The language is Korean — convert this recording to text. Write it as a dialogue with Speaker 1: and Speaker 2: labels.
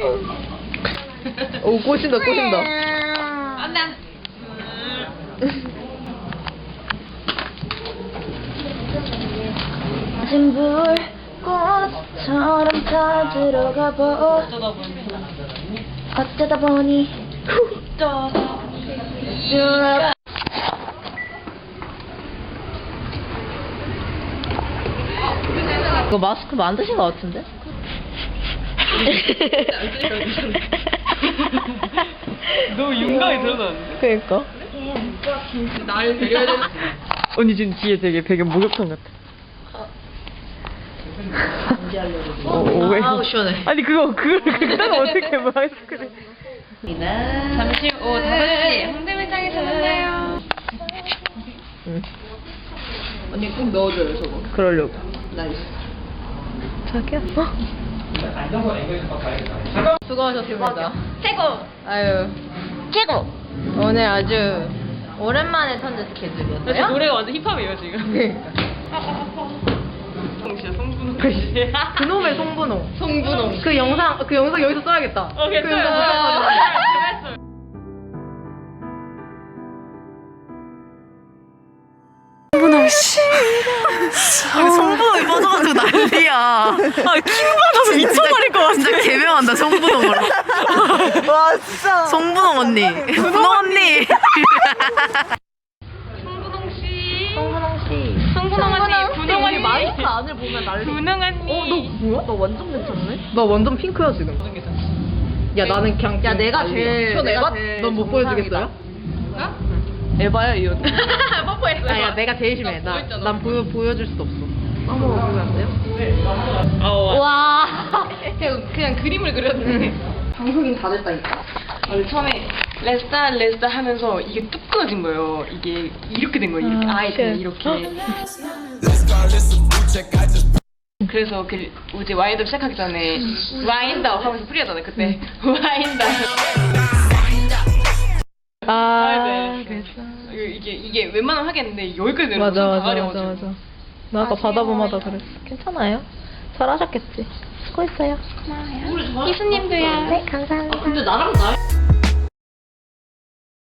Speaker 1: 오, 꼬신다, 꼬신다.
Speaker 2: 안돼.
Speaker 3: 진 불꽃처럼 다 들어가 보. 어쩌다 보니
Speaker 1: 이거 마스크 만드신 것 같은데?
Speaker 2: 너무 윤곽이 드러나는데?
Speaker 1: 그니까.
Speaker 2: 날 배려해야 되는.
Speaker 1: 언니 지금 뒤에 되게 배경 목욕탕 같아. 왜?
Speaker 2: 아우, 시원해.
Speaker 1: 아니 그거는 어떻게 마스크를?
Speaker 2: 잠시 오후 5시 홍대매장에서 만나요.
Speaker 1: 응.
Speaker 2: 언니 꼭 넣어줘요 저거.
Speaker 1: 그러려고.
Speaker 2: 나이스.
Speaker 1: 자기야. 수고하셨습니다.
Speaker 3: 최고
Speaker 1: 아유,
Speaker 3: 최고.
Speaker 1: 오늘 아주 오랜만에 천재 스케줄이었어요.
Speaker 2: 지금 노래가 완전 힙합이에요 지금. 진짜 성분홍 씨.
Speaker 1: 그놈의 송분홍.
Speaker 2: 성분홍.
Speaker 1: 그 영상 여기서 써야겠다. 그 영상
Speaker 2: 괜찮아요.
Speaker 1: 송분홍 씨. 송분홍이 빠져가지고 난리야. 아, 킹 받아서 미쳐버릴 것 같아. 진짜 개명한다, 송분홍으로. 와, 진짜. 송분홍 언니. 분홍 언니.
Speaker 2: 성분홍 씨.
Speaker 1: 송분홍 씨.
Speaker 2: 성분홍 언니. 분홍 언니.
Speaker 1: 마이크 안을 보면 난리.
Speaker 2: 분홍 언니.
Speaker 1: 너 뭐야? 너 완전 괜찮네? 나 완전 핑크야, 지금. 야, 나는 그냥. 야, 내가 제일. 넌 못 보여주겠어요?
Speaker 2: 에바야 이 언니. 뽀뽀했어요.
Speaker 1: 아, 야, 내가 제일 심해. 난 보여줄 수도 없어. 한번 보면 안 돼요?
Speaker 2: 와. 그냥 그림을 그렸네.
Speaker 1: 방송인 다 됐다니까.
Speaker 2: 원래 처음에 레스타 하면서 이게 뚝 끊어진 거예요. 이게 이렇게 된 거예요. 이렇게 아예 그냥 이렇게. 그래서 그 이제 와인드업 시작하기 전에 와인드업 하면서 프리하잖아요. 그때 와인드업.
Speaker 1: 아,
Speaker 2: 그래서 이게 웬만하면 하겠는데 여기까지 내려서
Speaker 1: 맞아.
Speaker 2: 나가려가지고.
Speaker 1: 나 아까 바다봄하다 그랬어. 괜찮아요. 잘하셨겠지. 수고했어요.
Speaker 3: 희수님도요. 네 감사합니다.
Speaker 2: 근데 나랑 나.